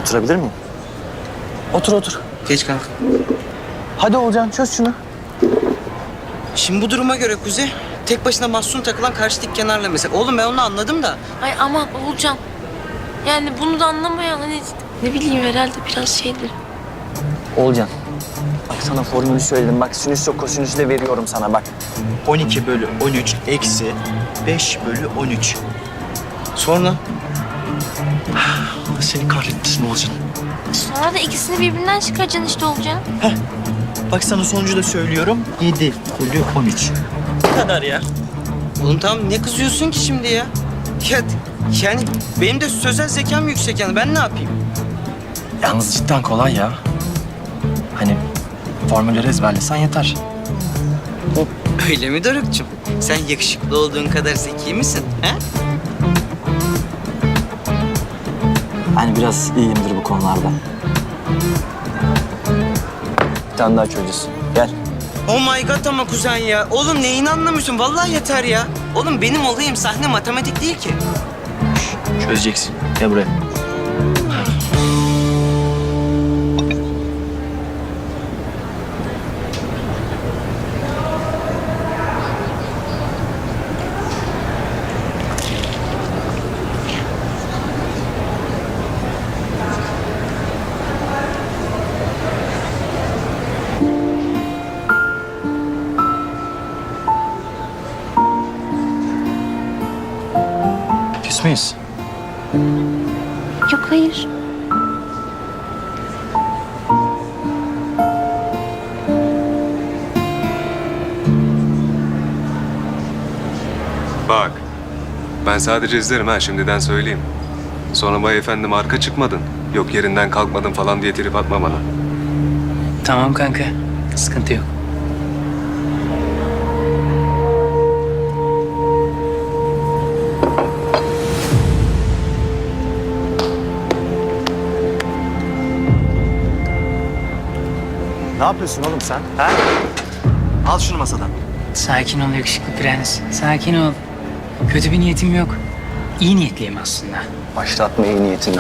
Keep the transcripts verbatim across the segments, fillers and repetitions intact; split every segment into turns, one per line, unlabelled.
Oturabilir miyim? Otur otur.
Geç kanka.
Hadi Olcan çöz şunu.
Şimdi bu duruma göre Kuzey, tek başına mahzun takılan karşı dik kenarla mesela. Oğlum ben onu anladım da.
Ay aman Oğulcan. Yani bunu da anlamayan hani ne bileyim herhalde biraz şeydir.
Olcan. Bak sana formülü söyledim. Bak sinüs yok kosinüsü de veriyorum sana bak.
on iki bölü on üç eksi beş bölü on üç.
Sonra?
Allah seni kahretmesin Olcan.
Sonra da ikisini birbirinden çıkaracaksın işte Oğulcan.
Bak sana sonucu da söylüyorum. yedi bölü on üç. Bu kadar ya.
Oğlum tamam ne kızıyorsun ki şimdi ya? Ya yani benim de sözel zekam yüksek yani ben ne yapayım?
Yalnız cidden kolay ya. Hani formülleri ezberlesen yeter.
Öyle mi Doruk'cum? Sen yakışıklı olduğun kadar zeki misin? He?
Hani biraz iyiyimdir bu konularda. Bir tane daha çözeceğiz. Gel.
Oh my god ama kuzen ya. Oğlum neyini anlamıyorsun? Vallahi yeter ya. Oğlum benim olayım sahne matematik değil ki.
Çözeceksin. Gel buraya. Küs müyüz?
Yok hayır.
Bak, ben sadece izlerim ha şimdiden söyleyeyim. Sonra bay efendim arka çıkmadın, yok yerinden kalkmadın falan diye trip atma bana.
Tamam kanka. Sıkıntı yok.
Ne yapıyorsun oğlum sen? Ha? Al şunu masadan.
Sakin ol yakışıklı prens. Sakin ol. Kötü bir niyetim yok. İyi niyetliyim aslında.
Başlatma iyi niyetinden.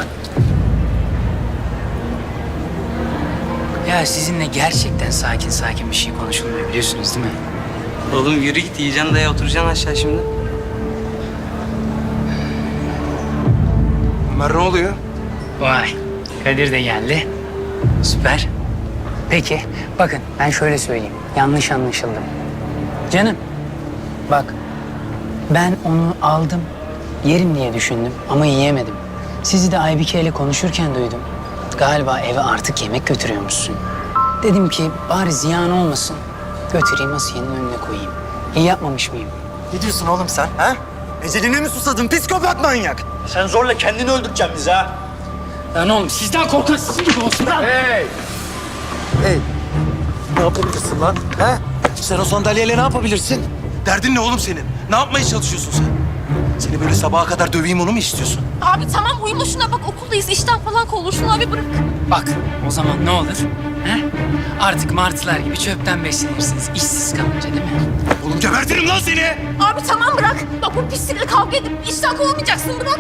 Ya sizinle gerçekten sakin sakin bir şey konuşulmuyor biliyorsunuz değil mi?
Oğlum yürü git yiyeceksin daya oturacaksın aşağı şimdi.
Ömer ne oluyor?
Vay. Kadir de geldi. Süper. Peki bakın ben şöyle söyleyeyim. Yanlış anlaşıldım. Canım bak ben onu aldım. Yerim diye düşündüm ama yiyemedim. Sizi de Aybike ile konuşurken duydum. Galiba eve artık yemek götürüyormuşsun. Dedim ki bari ziyan olmasın. Götüreyim Asiye'nin önüne koyayım. İyi yapmamış mıyım?
Ne diyorsun oğlum sen? Ha? Eceline mi susadın psikopat manyak? Sen zorla kendini öldüreceksin bizi ha.
Lan oğlum sizden korkan sizin gibi olsun lan.
Hey! Hey! Ne yapabilirsin lan? Ha? Sen o sandalyeyle ne yapabilirsin?
Derdin ne oğlum senin? Ne yapmaya çalışıyorsun sen? Seni böyle sabaha kadar döveyim onu mu istiyorsun?
Abi tamam uyuma şuna bak okuldayız işten falan kovulursun abi bırak.
Bak o zaman ne olur? He? Artık martılar gibi çöpten beslenirsiniz. İşsiz kalınca değil mi?
Oğlum gebertirim lan seni!
Abi tamam bırak. Bak bu pislikle kavga edip işten kovulmayacaksın bırak.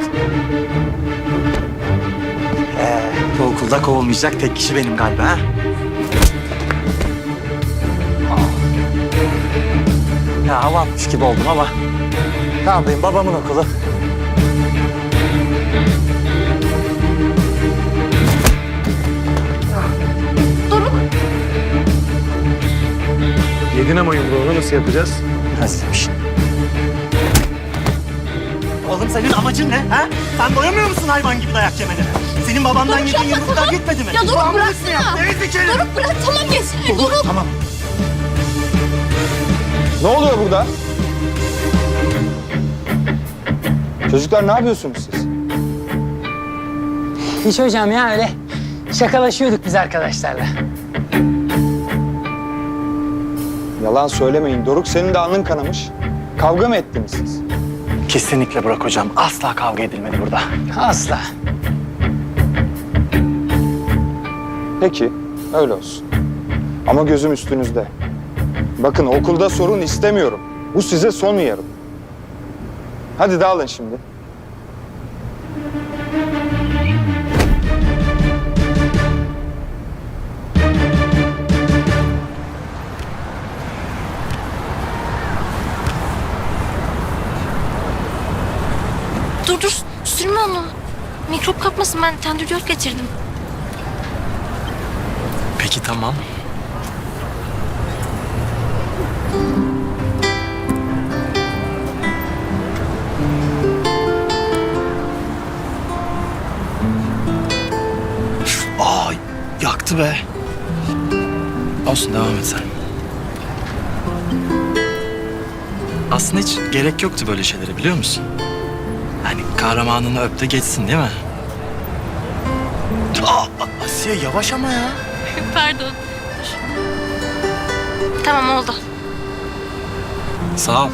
Ee, bu okulda kovulmayacak tek kişi benim galiba ha? Ya hava atmış gibi oldum ama ne yapayım babamın okulu.
Doruk.
Yedin ama yumruğunu nasıl yapacağız?
Özlemiş. Oğlum senin amacın ne ha? Sen doyamıyor musun hayvan gibi dayak yemene? Senin babandan
Doruk,
yediğin
yapma,
yumruklar
tamam.
gitmedi mi?
Ya Doruk,
Babamın
bıraksana.
resmi yaptı, ezik herif.
Doruk bırak tamam yeter. Doruk.
Tamam.
Ne oluyor burada? Çocuklar ne yapıyorsunuz siz?
Hiç hocam ya öyle şakalaşıyorduk biz arkadaşlarla.
Yalan söylemeyin. Doruk senin de alnın kanamış. Kavga mı ettiniz siz?
Kesinlikle Burak hocam. Asla kavga edilmedi burada.
Asla.
Peki, öyle olsun. Ama gözüm üstünüzde. Bakın okulda sorun istemiyorum. Bu size son uyarım. Hadi dağılın şimdi.
Dur dur sürme onu. Mikrop kapmasın, ben tendüryot getirdim.
Peki tamam. Aa, yaktı be. Olsun, devam et sen. Aslında hiç gerek yoktu böyle şeylere, biliyor musun? Hani kahramanını öp de geçsin, değil mi? Aa, Asiye yavaş ama ya.
Pardon. Tamam oldu.
Sağ ol.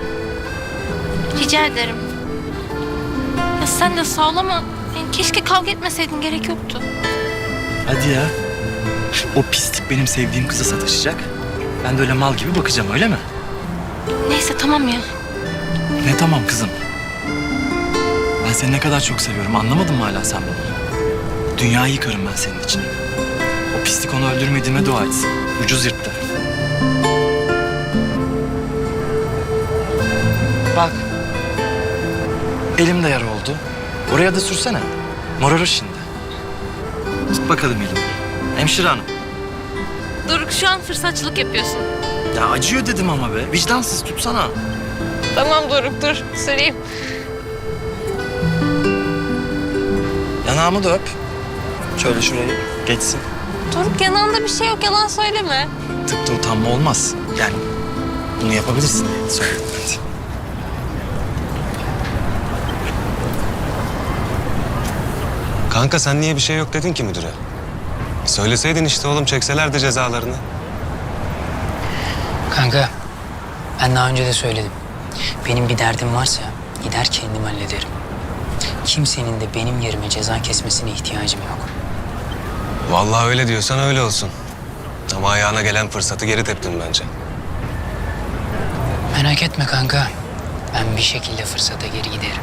Rica ederim. Ya sen de sağ ol ama yani keşke kavga etmeseydin, gerek yoktu.
Hadi ya. O pislik benim sevdiğim kıza sataşacak. Ben de öyle mal gibi bakacağım, öyle mi?
Neyse tamam ya.
Ne tamam kızım. Ben seni ne kadar çok seviyorum. Anlamadın mı hala sen bunu? Dünyayı yıkarım ben senin için. O pislik onu öldürmediğime dua etsin. Ucuz yırttı. Bak. Elim de yara oldu. Oraya da sürsene. Morarır şimdi. Tut bakalım elimi. Hemşire hanım.
Doruk, şu an fırsatçılık yapıyorsun.
Ya acıyor dedim ama be. Vicdansız, tutsana.
Tamam Doruk, dur süreyim.
Yanağımı da öp. Şöyle şuraya geçsin.
Doruk, yanağında bir şey yok, yalan söyleme.
Tıpta utanma olmaz. Yani bunu yapabilirsin diye söyledim ben de.
Kanka sen niye bir şey yok dedin ki müdüre? Söyleseydin işte oğlum, çekselerdi cezalarını.
Kanka, ben daha önce de söyledim. Benim bir derdim varsa gider kendim hallederim. Kimsenin de benim yerime ceza kesmesine ihtiyacım yok.
Vallahi öyle diyorsan öyle olsun. Ama ayağına gelen fırsatı geri teptin bence.
Merak etme kanka. Ben bir şekilde fırsata geri giderim.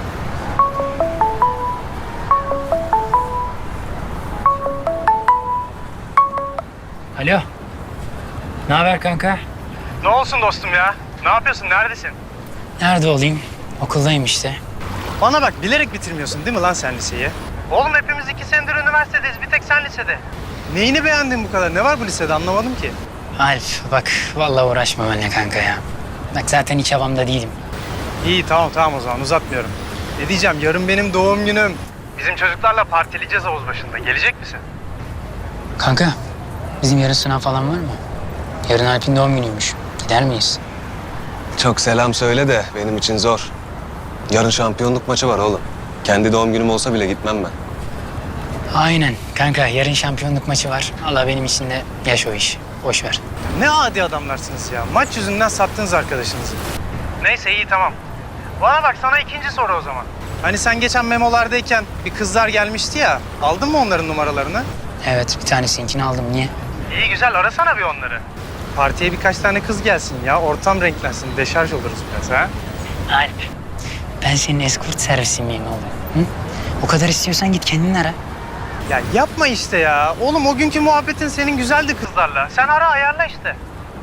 Alo. Ne haber kanka?
Ne olsun dostum ya? Ne yapıyorsun? Neredesin?
Nerede olayım? Okuldayım işte.
Bana bak, bilerek bitirmiyorsun değil mi lan sen liseyi? Oğlum hepimiz iki senedir üniversitedeyiz. Bir tek sen lisede. Neyini beğendin bu kadar? Ne var bu lisede? Anlamadım ki.
Alp bak vallahi uğraşma benimle kanka ya. Bak zaten hiç havamda değilim.
İyi tamam tamam o zaman uzatmıyorum. Ne diyeceğim? Yarın benim doğum günüm. Bizim çocuklarla partileyeceğiz havuz başında. Gelecek misin?
Kanka bizim yarın sınav falan var mı? Yarın Alp'in doğum günüymüş. Gider miyiz?
Çok selam söyle de benim için zor. Yarın şampiyonluk maçı var oğlum. Kendi doğum günüm olsa bile gitmem ben.
Aynen kanka, yarın şampiyonluk maçı var. Allah benim için de yaş o iş. Boş ver.
Ne adi adamlarsınız ya. Maç yüzünden sattınız arkadaşınızı. Neyse iyi tamam. Bana bak, sana ikinci soru o zaman. Hani sen geçen memolardayken bir kızlar gelmişti ya. Aldın mı onların numaralarını?
Evet, bir tanesininkini aldım. Niye?
İyi güzel, arasana bir onları. Partiye birkaç tane kız gelsin ya. Ortam renklensin. Deşarj oluruz biraz ha.
Alp, ben senin eskort servisi miyim oğlum? Hı? O kadar istiyorsan git kendin ara.
Ya yapma işte ya. Oğlum o günkü muhabbetin senin güzeldi kızlarla. Sen ara, ayarla işte.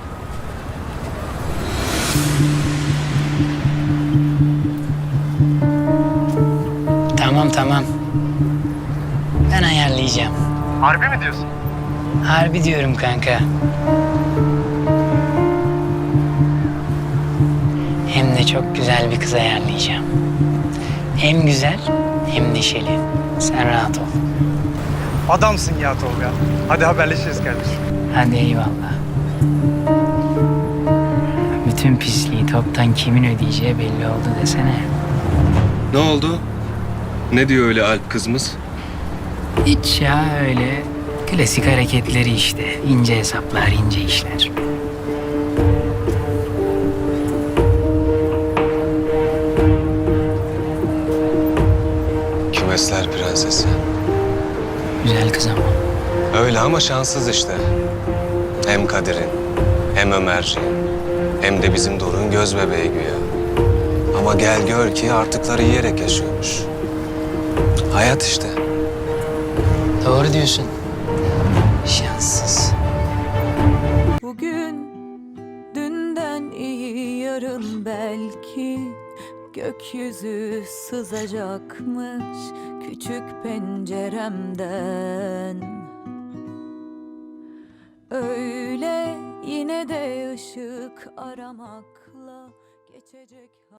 Tamam tamam. Ben ayarlayacağım.
Harbi mi diyorsun?
Harbi diyorum kanka. Hem de çok güzel bir kız ayarlayacağım. Hem güzel hem neşeli. Sen rahat ol.
Adamsın ya Tolga. Hadi haberleşiriz kardeşim.
Hadi eyvallah. Bütün pisliği toptan kimin ödeyeceği belli oldu desene.
Ne oldu? Ne diyor öyle Alp kızımız?
Hiç ya, öyle klasik hareketleri işte. İnce hesaplar, ince işler.
Kümesler prensesi.
Güzel kız ama.
Öyle ama şanssız işte. Hem Kadir'in, hem Ömerciğin, hem de bizim Doruk'un göz bebeği güya. Ama gel gör ki artıkları yiyerek yaşıyormuş. Hayat işte.
Doğru diyorsun. Şanssız.
Bugün dünden iyi, yarın belki gökyüzü sızacakmış küçük penceremden. Öyle yine de ışık aramakla geçecek.